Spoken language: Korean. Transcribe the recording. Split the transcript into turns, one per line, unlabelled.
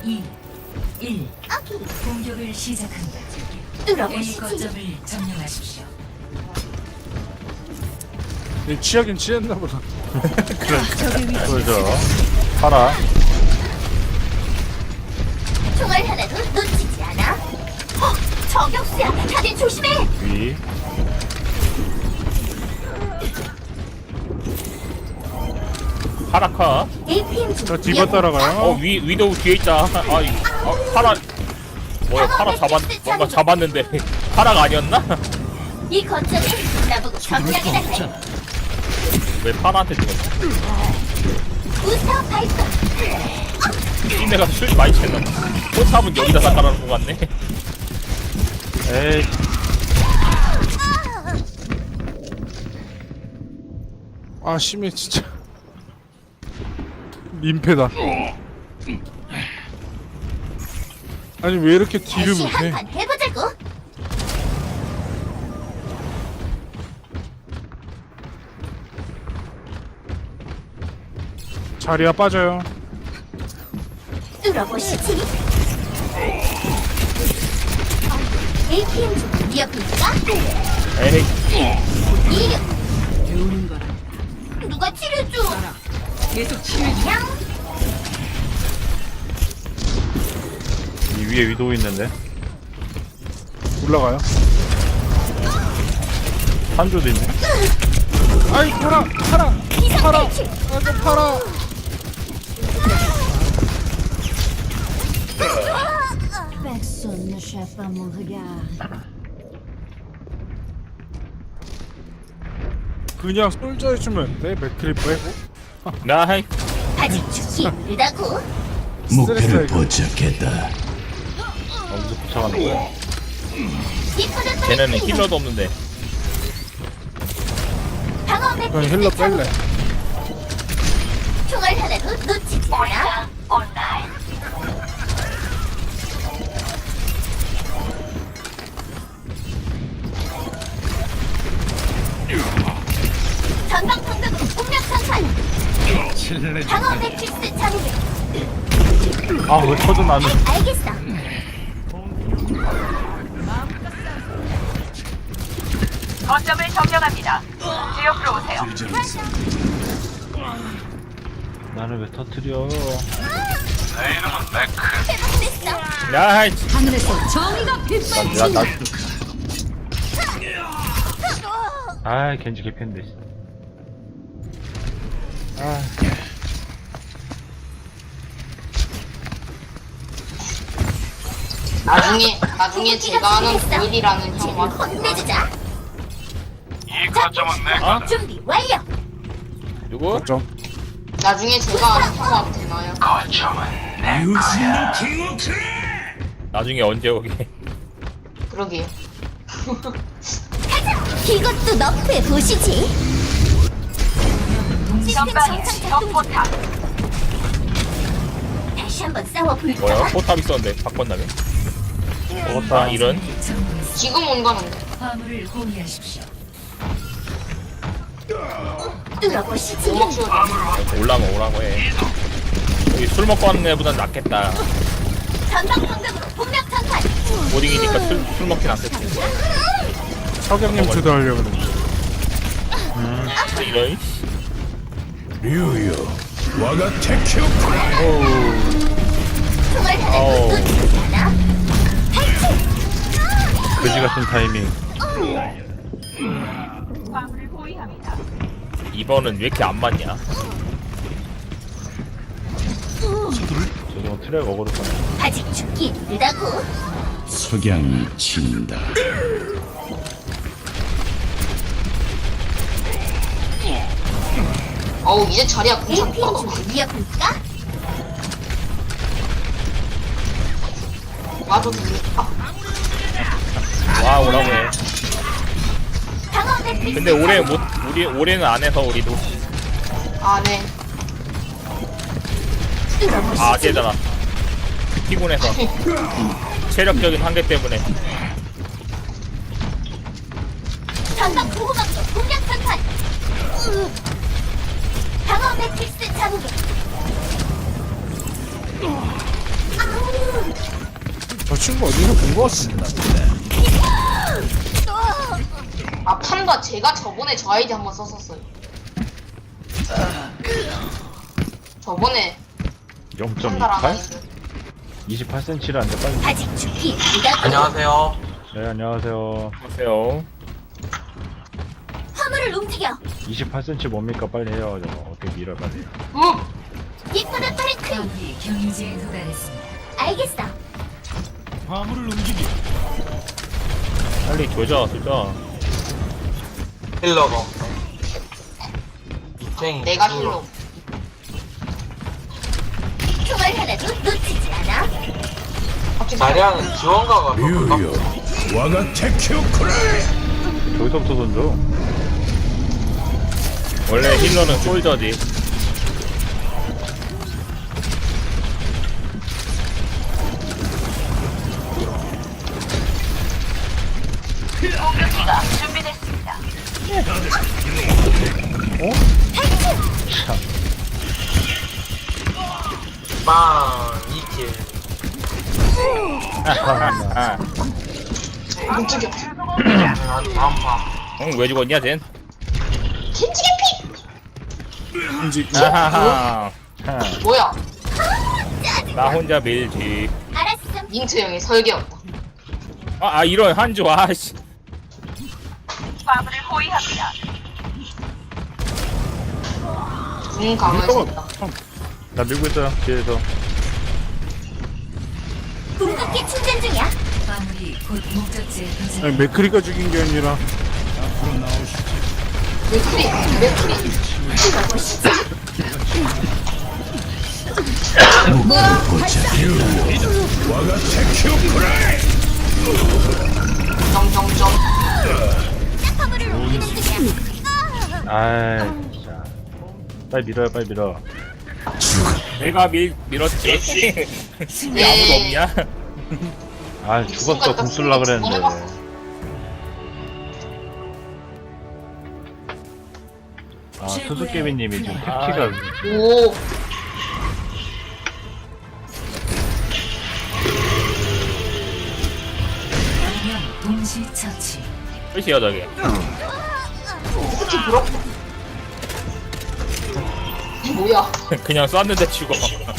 2, 1. 공격을 시작합니다. A 거점을 점령하십시오.
취하긴 취했나 보다.
그러죠. 팔아.
총알 하나도 놓치지 않아. 저격수야. 다들 조심해.
위. 파라카.
APM 중.
저 디바 따라가요.
위도우 뒤에 있다. 파라. 뭐야, 파라 뭔가 잡았는데. 파라가 아니었나?
이 거점이 나보고 경량이다 해.
왜 파라한테 죽었어?
부스터 발동.
이내가 술 많이 챘나? 포탑은 여기다 닦아놓은 것 같네. 에이.
아 심해 진짜. 민폐다. 아니 왜 이렇게 딜을
다시
못해?
한판 해보자고.
자리야 빠져요.
뚫어보시지. APM 중 위협입니까?
에이.
이륙.
배우는 거라.
누가 치료줘?
계속 치료해.
그냥
이 위에 위도우 있는데.
올라가요.
한조도 있네.
아이 팔아.
비상탈출.
아저 팔아.
Personne ne chasse pas mon regard.
그냥 솔져 해주면 돼. 맥크리 빼고.
나이.
아직 죽기 힘들다고.
목표를
포착했다.
어디서 포착하는 거야?
디퍼전
쟤네는 힐러도 없는데.
방어
그냥
매트리스
힐러
착륙.
뺄래.
총알 하나도 놓치지 않아. 전방통닭으로 공략 상판. 방어 매트리스 착륙.
왜 터져 나는.
알겠어.
거점을 점령합니다. 제 옆으로 오세요.
나를 왜 터뜨려?
회복됐어.
나이.
하늘에서 정의가 빛발친다.
겐지 개편데.
나중에 제가 하는 고일이라는
쟤를
형만
혼내주자.
이 거점은 내
어?
준비 완료.
누구?
좀.
나중에 제가 하는 형만 되나요?
나중에 언제 오게?
그러게요.
이것도 너프해 보시지. 시스템
전방에
정상 작동 중.
적포탑.
다시 한번 싸워볼까?
뭐야? 포탑 있었는데 바꿨나며? 이런?
지금 온다는데.
화물을 호위하십시오.
뚫어보시지.
오목쇼
올라면 오라고 해. 여기 술 먹고 하는 애보단 낫겠다.
전방통닭으로 공략 상판.
모딩이니까 술 먹긴 않겠지.
석양님 주도하려고 그래.
이런.
류요. 와가 테큐.
총알
어우.
하나도 놓치지 않아.
그지 같은 타이밍.
화물을 호위합니다.
이번은 왜 이렇게 안 맞냐? 저거 트랙 어그로잖아.
아직 죽기 힘들다고.
석양이 친다.
어우 이제 자리야
APM
공작.
중 위협입니까?
와도 되니?
와 오라고 해.
방어 매트리스
근데 올해는 안 해서 우리도.
네.
아 쟤잖아. 피곤해서. 체력적인 한계 때문에.
전방 보호막로 공략 상판. 방어 매트리스 자국에.
친구 어디서 본 거 같습니다.
아 판다 제가 저번에 저 아이디 한번 썼었어요. 저번에 판다랑
0.28?
아이디.
28cm라는데 빨리.
아직 죽기 무다.
안녕하세요.
네, 안녕하세요.
보세요.
화물을 움직여.
28cm 뭡니까? 빨리 해요. 저거 어떻게 밀어 빨리.
이쁘다 파리크림.
아군이 경유지에 도달했습니다.
알겠어.
빨리 조져.
힐러가 없네. 쟁이.
내가 힐러.
총알 하나도 놓치지 않아.
갑자기
자리하는 지원가가 더
뮤요
가깝죠.
와가 테큐쿠라.
저기서부터 던져.
원래 힐러는 솔저지.
공격기가 준비됐습니다.
빵 2킬.
아,
못 죽여.
다음 판.
왜 죽었냐 쟨?
겐지개
인지
아하하.
뭐야?
나 혼자 밀지.
알았어.
닌트 형의 설계였다.
이런 한조 아씨.
화물을 호위합니다.
강화했다.
나 밀고 있어요. 뒤에서.
궁극기 충전 중이야.
화물이 곧 목적지에 도착.
아니 맥크리가 죽인 게 아니라
맥크리.
와가 테큐쿠라.
점점점.
화물을 옮기는 중이야.
아이, 진짜. 빨리 밀어요, 빨리 밀어.
내가 밀었지. 왜 아무도 없냐?
아, 죽었어. 공 쓸라 그랬는데. 아, 수수께비님이 지금 패키가
오.
방면 동시 처치.
끝이야 저게.
특히 부럽다. 이 뭐야?
그냥 쐈는데 죽어.